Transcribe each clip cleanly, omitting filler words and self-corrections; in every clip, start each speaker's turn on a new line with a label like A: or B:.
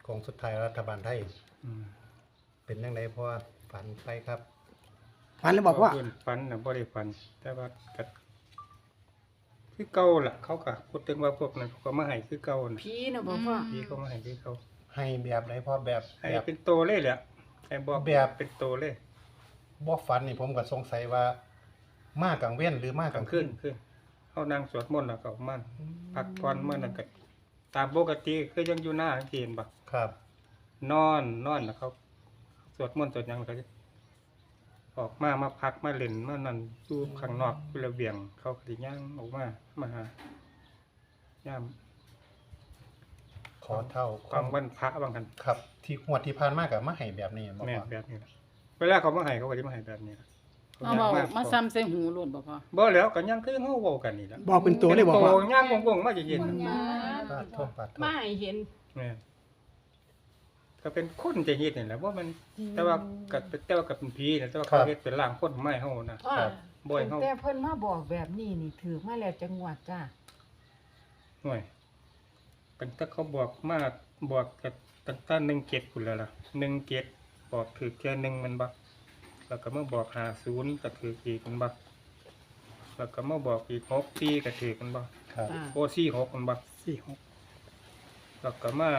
A: ของสุดท้ายรัฐบาลไทย
B: อืม
A: เป็นจังไดเพราะว่าฝันไปครับ
C: ฝันแล้วบอกว่า
B: เพิ่นฝันน่ะบ่ได้ฝัน แต่ว่าก็คือเก่าล่ะเขาก็พูดถึงว่าพวกนั้นเขาก็มาให้คือเก่าน่ะ
D: ผีน่ะบ่พ่อ
B: พี่เขามาให้คือเก่า
A: ให้แบบไหนพ่อแบบ
B: ให้
A: แบบ
B: เป็นโตเลยแหละให้บอก
A: แบบ
B: เป็นโตเลย
A: บ่ฝันนี่ผมก็สงสัยว่า มากลางเว้นหรือมาก
B: ก
A: ก
B: ลา
A: ลาง ง
B: คื
A: คื
B: น
A: น
B: คือเฮานั่งสวดมนต์แล้วก็ออกมาพักผ่อนมานั่นก็ตามปกติคือยังอยู่หน้าจังซี่เห็นบ่
A: ครับ
B: นอนแล้วเขาสวดมนต์สวดหยังแล้วก็ออกมาพักมาเล่นมานั่นอยู่ข้างนอกอยู่ระเบียง เขาก็สิย่างออกมาหายาม
A: ขอเท่า
B: ของวันพระบางกัน
A: ครับ ที่งวดที่ผ่านมาก็มาให้แบบนี้บ่
B: แม่น
A: พ่อ
B: แบบนี้ล่ะเวลาเขามาให้เขาก็สิมาให้แบบนี้ล่ะ
D: เอาเว้ามาซ้ำใส่หูโลดบ่พ่อ
B: บ่แล้วก็ยังคือเฮาเว้ากันนี่ล่ะ
C: บอกเป็นตัวเลยบอก
B: โต
C: ว่า
B: ย่างวงๆมาจะเย็นน่ะ
A: ปาดโทษปาดโทษ
D: มาให้เห็น
B: แม่นก็เป็นคนจะเฮ็ดนี่แหละว่ามันแต่ว่าก็เป็นผีนะแต่ว่าเขาเฮ็ดเป็นร่างคนไม้เฮานะ
D: พ่อ
B: บ่ให้เฮา
D: แต่เพิ่นมาบอกแบบนี้นี่ถือมาแล้วจังหวัดจ้า
B: ห่วยเป็นถ้าเขาบอกมาบอกกับตั้งแต่17พุ่นแล้วล่ะ17บอกถือแค่1มันบ่แล้วก็มาบอก50ก็ถืออีกมันบ่แล้วก็มาบอกอีก6ปีก็ถือกันบ่
A: ครับ
B: โอ้46มันบ่46แล้วก็มา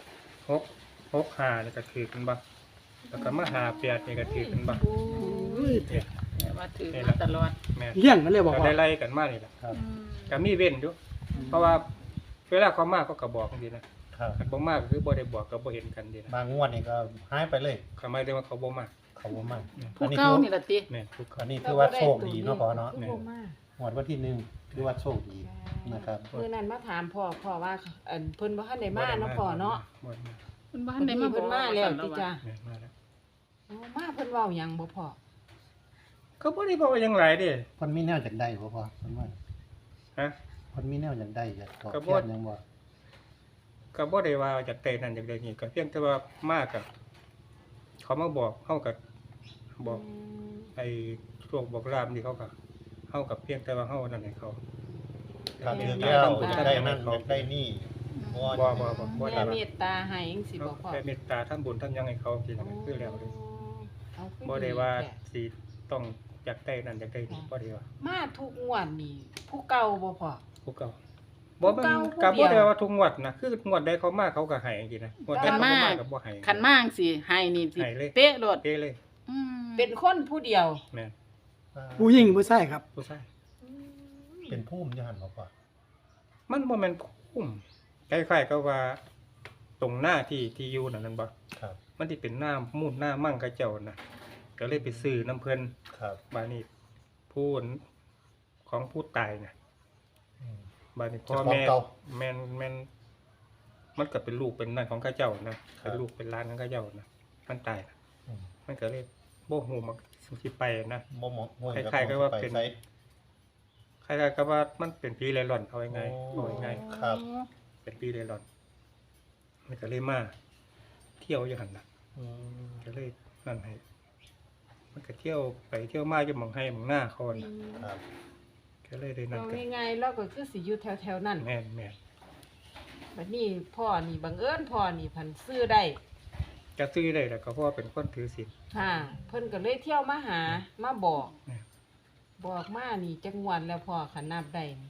B: 65นี่ก็ถือกันบ่แล้วก็มา58นี่ก็ถือกันบ่ เนี่ย
D: แต่ว่าถือมาตลอด
B: แม่น
C: เลี้ยงกันเลยบอก
B: ก็
C: ว่า
B: ได้ไล่กันมานี่แหละ
A: ครับ
B: ก็มีเว้นอยู่เพราะว่าเวลาเขามาเขาก็บอกจังซี่นะครับ คันบ่มาก็คือบ่ได้บอกก็บ่เห็นกันดีนะ
A: บางงวดนี่ก็หายไปเลย
B: เขาหมายถึงว่าเขาบ่มา
A: เขาบ่มา
D: ผู้เก่านี่ล่ะติ
B: แม่นทุกค
A: อั
B: น
A: นนี้ถือว่าโชคดีเนาะพ่อเนาะ
D: คือบ่มา
A: งวดวันที่1ถือว่าโชคดีนะครับ
D: มื้อนั้นมาถามพ่อว่าอันเพิ่นบ่ทันได้มาเนาะพ่อเนาะ
B: บ่ได้มา
D: เพิ่นบ่ทันได้มาเพิ่นมาแล้วติจ้า
B: แม่นมาแล้ว
D: อ๋อมาเพิ่นเว้าหยังบ่พ่อ
B: เขาบ่ได้บอกว่าหยังหลายเด้
A: เพิ่นมีแนวจากใดบ่พ่อเพิ่นว่า
B: ฮะ
A: เพิ่นมีแนวจากใดอยากตอบ
B: ก็
A: แท
B: บ่
A: นหยังบ่
B: ก็บ่ได้ว่าจากแต่นั้นจากใดนี่ก็เพียงแต่ว่ามาก็เขามาบอกเฮาก็บอกไอ้โชคบอกลาภนี่เขาก็เฮากับเพียงแต่ว่าเฮานั่นให้เขา
A: ถ้าถือแล้วอยากได้นั่นอยากได้นี่บ่
B: บ่
D: แม่เมตตาให้จังซี่บ่พ่อ
B: แค่เมตตาทำบุญทำหยังให้เขาสินั่นคือแล้วเลย
D: เอาคือ
B: บ่ได้ว่า
D: แท้
B: สิต้องอยากได้นั่นอยากได้นี่บ่ได้ว่า
D: มาทุกงวดนี่ผู้เก่าบ่พ่อ
B: ผู้เก่าบ่มัน
D: ผู้เก่า
B: ก็
D: ผู้
B: บ่
D: เดียว
B: ได้ว่าทุกงวดนะคืองวดใดเขามาเขาก็ให้จังซี่นะงวดใด
D: คัน
B: เขา
D: มา
B: บ่มาก็บ่ให้
D: คันมาจังสิให้นี่สิ
B: ให้เลย
D: เป๊ะโลด
B: เด้เลย
D: เป็นคนผู้เดียว
B: แม่น
C: ผู้หญิงผู้ชายครับ
B: ผู้ชาย
A: เป็นภูมิอยู่หั่นบ่พ่อ
B: มันบ่แม่นคุ้มคล้ายๆกับว่าตรงหน้าที่อยู่นั่นบ่
A: ครับ
B: มันสิเป็นหน้ามูดหน้ามั่งเขาเจ้าน่ะก็เลยไปซื้อน้ำเพิ่น
A: ครับ
B: บาดนี้ผู้ของผู้ตายน่ะ
A: อืม
B: บาดนี้พ่อ
A: เจ้าของ
B: แม่
A: เก่า
B: แม่นมันก็เป็นลูกเป็นนั่นของข้าเจ้านะครับ เป็นลูกเป็นหลานของข้าเจ้านะมันตายนะ
A: อืม
B: มันก็เลยบ่ฮู้มันสิไปนะ
A: บ่เหมาะบ่
B: คล้ายๆกับว่าเป็น
A: ไส
B: คล้ายๆกับว่ามันเป็นผีเร่ร่อนเอาง่ายๆ
A: โอ้
B: เอาง่าย
A: ครับ
B: ๆเป็นผีเร่ร่อนมันก็เลยมาเที่ยวอยู่หั่นน่ะ
A: อืม
B: ก็เลยนั่นให้มันก็เที่ยวไปเที่ยวมาอยู่หม่องให้หม่องหน้าเขาน่ะ
A: ครับ
B: ก็เลยได้นั่น
D: เอา
B: กัน
D: ง่ายๆแล้วก็คือสิอยู่แถวๆนั้น
B: แม่น
D: บัดนี้พ่อนี่บังเอิญพ่อนี่พันซื้อได้
B: ๆจะซื้อได้แล้วก็เพราะว่าเป็นคนถือศีล
D: ค่ะเพิ่นก็เลยเที่ยวมาหามาบอก
B: แม่น
D: บอกมานี่จังหวัดแล้วพ่อคันนับได้นี่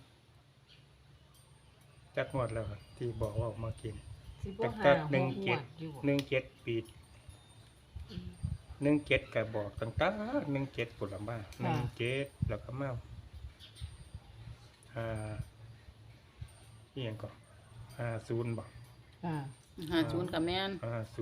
B: จักงวดแล้วครับที่บอกว่าออกมากิน
D: สิบ่หา
B: แต่
D: หก
B: หนึ่ง
D: ง
B: เจ็
D: ว
B: ด
D: ดอยู่บ่
B: 17 ปี17ก็บอกตั้งแต่17พุ่นละมา17แล้วก็มาอีหยังก็50บ่
D: ค่ะ
E: 50กับแม่น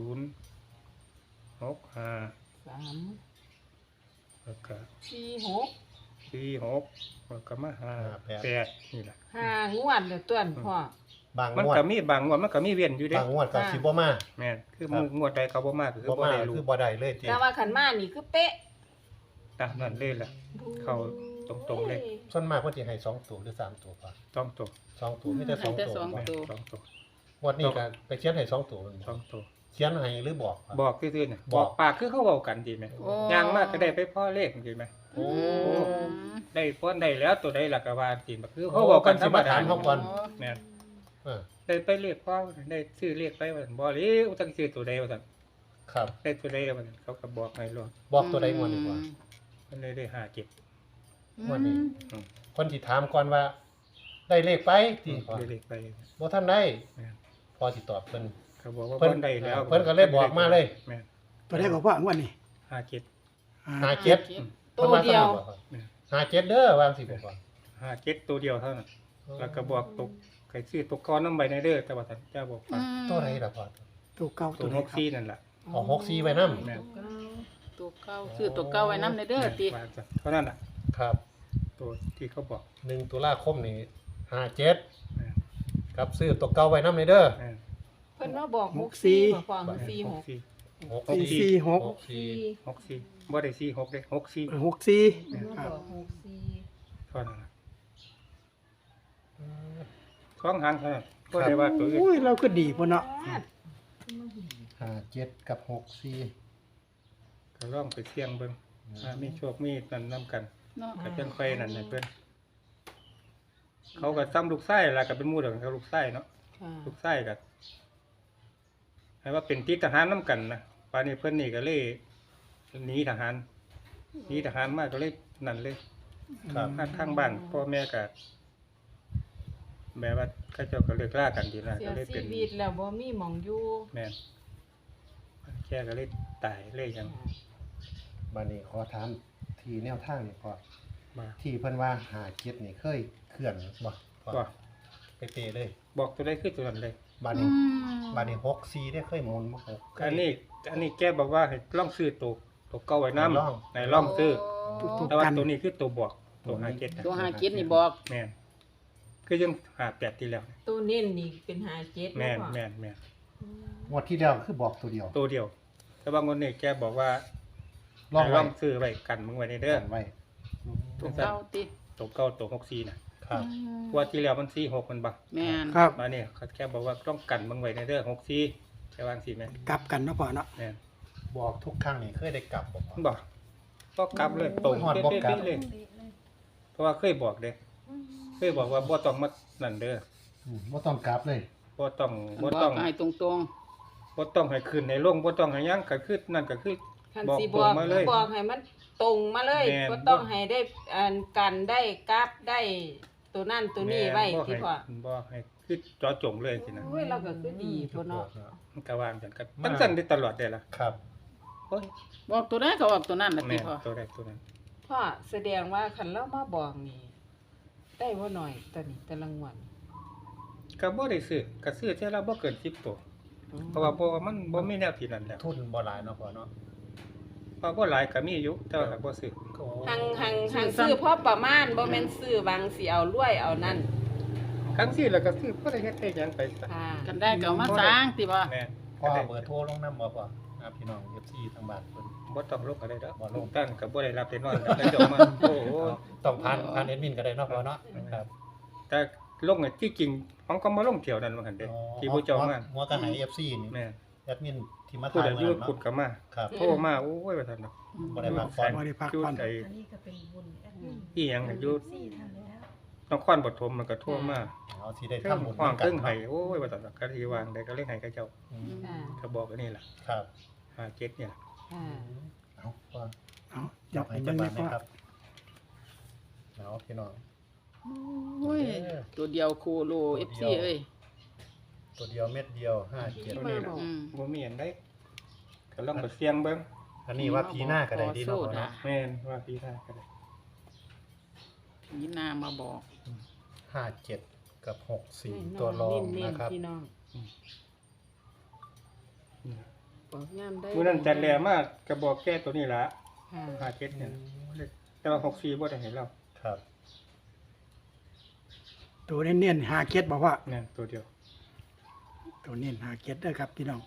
B: 50 65
D: 3
B: แล้วก็
D: 4 6
B: 46แล้วก็มา58นี่ล่ะ
D: 5งวดแล้วต้วนพ่อบ
A: าง
B: มัน
A: งวด
B: ก็มีบางงวดมันก็มีเว้นอยู่เด้
A: บางงวดก็สิบ่มา
B: แม่นคือ
A: ครับ
B: งวดใดเขาบ่มาก็คือ
A: บ่
B: บ่
A: มา
B: ได้รู้
A: คือบ่ได้เลยติ
D: แต่ว่าคันมานี่คือเป๊ะ
B: ตามนั้นเลยล่ะ เข้าตรงๆเลย
A: ส่วนมากเพิ่นสิให้2ตัวหรือ3ตัวพ่อ
B: ต้องตัว
A: 2ตัวมีแต่
E: ให้
A: 2
E: แต่
A: ตัว
E: สอง
A: บ่
E: ตัว
B: สองตัว
A: งวดนี้ก็ไปเขียนให้2ตัว
B: สองตัว
A: เขียนให้หรือบอกครับ
B: บอกซื่อๆเนี่ย
A: บบ อ
B: อก กปากคือเขาเว้ากันดีไหม
E: โอ้
B: ย่างมากก็ได้ไปพ่อเลขดีไหม
A: โอ้
B: ได้พ้นได้แล้วตัวใดล่ะก็ว่าจริงคือเขาเว้ากันธรรมดา
A: เพิ่นสิมาถามเฮาก่อน
B: แม่น
A: เพิ่
B: ได้ไปเรียกพ่อได้ซื้อเรียกไปว่าบ่เลยตั้งซื้อตัวใดว่าซั่น
A: ครับ
B: ได้ตัวใดว่าซั่นเขาก็บอกให้รอ
A: บอกตัวใดงวดดีกว่า
B: มันเลยได้หาเก็บ
A: งวดนี้คนที่ถามก่อนว่า ได้เลขไปที่พอ
B: ได้เรียกไป
A: บ่ทันได้
B: แม่น
A: พอสิตอบเพิ่น
B: เขาบอกว่า
A: เพิ่น
B: เพิ่นได้แล้ว
A: เพิ่นก็เลยบอกมาเลย
B: แม่น
C: ตัวได้ก็พ่องวดนี้
B: หาเก็บ
A: หาเจ็ด
D: ตัวเดียว
A: หาเจ็ดเด้อวางสิบ่พอ
B: หาเก็บตัวเดียวเท่านั้นแล้วก็บอกตกใครซื้อตกก้อนน้ำใบในเด้อแต่ว่าท่านเจ้าบอกว่า
A: ตัวไหนล่ะพอ
C: ตัวเก่า
B: ตั
C: ตัว ว
B: น
C: ไหน
B: ก
C: ครับ
B: ซี่นั่นแหละ
A: เอา64ไว้นำ
B: แม่น
E: ตัวเก้าชื่อตัวเก้าไว้น้ำในเด้อติ
B: ว่าจะเท่านั้นน่ะ
A: ครับ
B: ตัวที่เขาบอก
A: 1ตุลาคมนี้57
B: แม่น
A: ครับซื้อตัวเก่าไว้นำในเด้อ
B: แม่น
D: เพิ่นมาบอก64บ่ฟัง
B: หก
D: 46
B: สี่
C: 446
B: หกสี่บ่ได้สี่หกเลยหกสี่
C: 64
D: เพิ่นมา
C: ครับ
D: บอก64
B: เท่านั้นน่ะท้องหางเท่านั้นก็ได้ว่าตัวอื่น
C: อุ้ยเราก็ดีพุ่นเนาะ
A: 57กับ64
B: ก็ล่องไปเสี่ยงเบิ่งมีโชคมีนั่นนํกัน
E: เนาะ
B: ก็จังค่อยนั่นให้เพิ่นเขาก็ซ้ำลูกไส้ล่ะก็เป็นหมู่เดียวกันกับลูกไส้เนาะ
D: ค่ะ
B: ลูกไส้ก็ให้ว่าเป็นติดทหารนํกันนะป่านนี้เพิ่นนี่ก็เลยหนีทหารมาก็เลยนั่นเลย
A: ครับ
B: ทางบ้านพ่อแม่ก็แบบว่าเขาเจ้าก็เลิกลากันดีนะ
D: เสี
B: ก็
D: ย
B: เลยเป็
D: ชี
B: น
D: วิตแล้วบ่มีหม่องอยู่
B: แม่นแค่ก็เลยตายเลยยัง
A: บัดนี้ขอถามที่แนวทางนี่พอ
B: มา
A: ที่เพิ่นว่า57นี่เคยเคลื่อนบ่พอ
B: ก็
A: ไปเตะเลย
B: บอกตัวได้คือตัวนั้นเลย
A: บัด
E: อื
A: นี้
E: ม
A: บัดนี้64ได้เคยหมุนบ่เคย
B: อันนี้แกบอกว่าให้ลองซื้อตัวเก่าไว้นำ
A: ลอง
B: ให้ลองซื้อ
C: ตัว
B: แต่ว่า
C: กัน
B: ตัวนี้คือตัวบอกตัวหาเก็ต
E: ตัวหาเก็ดนี่บอก
B: แม่นคือยังหาแปดที่แล้ว
D: ตัวเน้นนี่เป็น57
B: แม่น
D: บ่
B: แม่นแม่น
A: งวดที่แล้วคือบอกตัวเดียว
B: ตัวเดียว แต่ว่างนนี้แกบอกว่า
A: ลอง
B: ให้
A: ไว้
B: ซื้อไว้กันมึงไว้ในเด้อ
A: กันไว้
E: ตัวเก้าติ
B: ตัวเก่าตัว64น่ะ
A: ครับ
B: เพราะว่าที่แล้วมัน46มันบัก
E: แม่น
C: ครับ
B: มาเนี่ยเขาแค่บอกว่าต้องกันมึงไว้ในเด้อ64แค่วาจังซี่แม่น
C: กลับกันเนาะพ่อเนาะ
B: แม่น
A: บอกทุกครั้งนี่เคยได้กลับบ่พอ
B: มันบอกก็กลับเลยตรง
A: หอดบอกกลับ
B: เลยเพราะว่าเคยบอกเด้เคยบอกว่าบ่ต้องมานั่นเด้อ
A: บ่ต้องกลับเลย
B: บ่ต้อง
E: บ
B: บ่
E: อ
B: ต้อง
E: กให้ตรง
B: บ่ต้องให้ขึ้นในลงบ่ต้องให้หยังก็คือนั่นก็คือ
D: คัน
B: บอก
D: สิ
B: ต
D: บ
B: ร
D: อง ก
B: มาเลย
D: บอกให้มันตรงมาเลย
B: แม่น
D: บ่ต้องให้ได้อันกันได้กราฟได้ตัวนั่นตัวนี้ไว้
B: แม่
D: ที่
B: ให้
D: พ่อ
B: บ่ให้คือเจอจงเลยสินะ
D: โอ้ยเราก็คือดีพุ่นเนาะ
B: มันก็วางกันกันสั่นได้ตลอดได้ล่ะ
A: ครับ
B: โอ้ย
E: ๆบอกตัวนั้นก็บอกตัวนั้นน่ะติ
B: แม่น
E: พ่อ
B: ตัวใดตัวนั้น
D: พ่อแสดงว่าคันเรามาบอกนี่ได้บ่หน่อยตอนนี้แต่ละงวด
B: ก็บ่ได้ซื้อก็ซื้อเท่าละบ่เกิน10ตัวเพราะว่ามันบ่มีแนวที่นั่นแล้ว
A: ทุนบ่หลายเนาะพอเนาะ
B: เพราะบ่หลายก็มีอยู่แต่ว่าก็บ่ซื้อ
A: ก็
D: หังซื้อพอประมาณบ่แม่นซื้อบางสิเอารวยเอานั่น
B: ครั้งที่แล้วก็ซื้อบ่ได้เฮ็ดได้หยังไปซะ
D: ค่ะ
E: กันได้ก็เอามาสร้างติบ่
B: แม่น
A: พอเบอร์โทรลงนำบ่พอพี่น้อง FC ทางบ้านเพิ่น
B: บ่ต้องลงก็ได้ดอก
A: บ่ลง
B: ตั้งก็บ่ได้รับได้นอนแล้วเจ้ามาโอ้โห
A: ต้องผ่านแอดมินก็ได้เนาะพอเนาะครับ
B: แต่ลงที่จริงของก็มาลงเที่ยวนั้นว่าหั่นเด้ที่ผู้เจ้ามา
A: หัวก็ให้ FC นี่
B: แม่น
A: แอดมินที่มา
B: ผู้
A: ถ่าย
B: ใด
A: มา
B: อยู่
A: เนาะ
B: ขุดก็มา
A: ครับ
B: โทรมาโอ้ยว่าซั่นดอก
A: บ่ได้พักผ่อน
C: บ่ได้พัก
B: อยู่
C: ผ่อน
B: ไอ้
F: อันนี้ก็เป็นบุญแอดมิน
B: อีหยังอยู่
F: สี่ท่านแล้ว
B: นครปฐมมันก็โทรมา
A: เอาที่ได้
B: เครื่อง
A: ทำบุญ
B: ห้อง
A: กั
B: เครื่องไห้โอ้ยว่าซั่นดอกก็สิวางได้ก็เลยให้เขาเจ้า
A: อืม
D: ค่ะ
B: ก็บอกอันนี้ล่ะ
A: ครับ
B: หาเก็ดเนี่ยล่ะ
D: ค่ะ
A: เอาพอ
C: เอาจับ
A: ให้
C: ให้
A: จั
C: เบิ่
A: ง
C: ง
A: หวั
C: เลยพ่อ
A: ดนะครับเอาพี่น้อง
E: โอ้ยตัวเดียวโคโล FC เอ้ย
A: ตัวเดียวเม็ดเดียว57
B: ตัวนี้ล่ะ
E: อืม
B: บ่มีอันใดก็ลองไปเสี่ยงเบิ่ง
A: อันนี้ว่าพีหน้าก็ได้ดีเนาะพอเนาะ
B: แม่นว่าพี่ท่าก็ได้
E: นี่นามาบอก
A: 57กับ64ตัวรอง
D: เน้น
A: นะครับ
D: ๆพี่น้องบอกยามได้
B: มื้อนั้นจัดแลมาก็บอกแก้ตัวนี้ล่ะ
D: ค่ะ
B: หาเก็ดเนี่ยแต่ว่า64บ่ได้ให้เรา
A: ครับ
C: ตัวเน้นๆ57บอกว่า
B: แม่นตัวเดียว
C: ตัวเน้น57เด้อครับพี่น้อง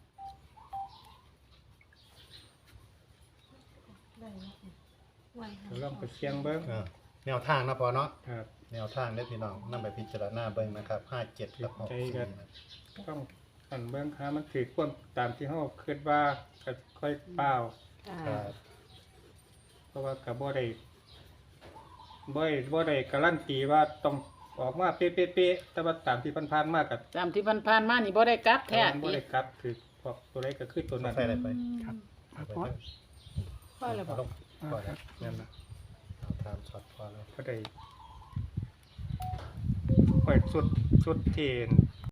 F: ได้แล้วไหว
B: ก็ลองไปเสี่ยงเบิ่ง
A: แนวทางนะพอเนาะ
B: ครับ
A: แนวทางได้อพี่น้องนำไปพิจารณาเบิ่งนะครับ57กับ64
B: ต้องอันเบิ่งหามันถือความตามที่เฮาคิดว่าก็ค่อยเปล่า
D: ค่ะ
A: ครับ
B: เพราะว่าก็บ่ได้การันตีว่าต้องออกมาเป๊ะๆๆแต่ว่าตามที่ผ่านๆมากับ
E: ตามที่ผ่านๆมานี่บ่ได้กลับแท้
B: บ่ได้กลับคือพวกตัวใดก็คือตัวนั้น
A: ใส่อะไรไป
C: ครับ
A: เอาไป
C: พอ
A: เด้อ
D: พ่อเลยบอก
A: เอาลงพอแล้ว
B: นั่นน่ะ
A: เอาตามช็อตพอแล้ว
B: ก็ได้ค่อยสุดเทน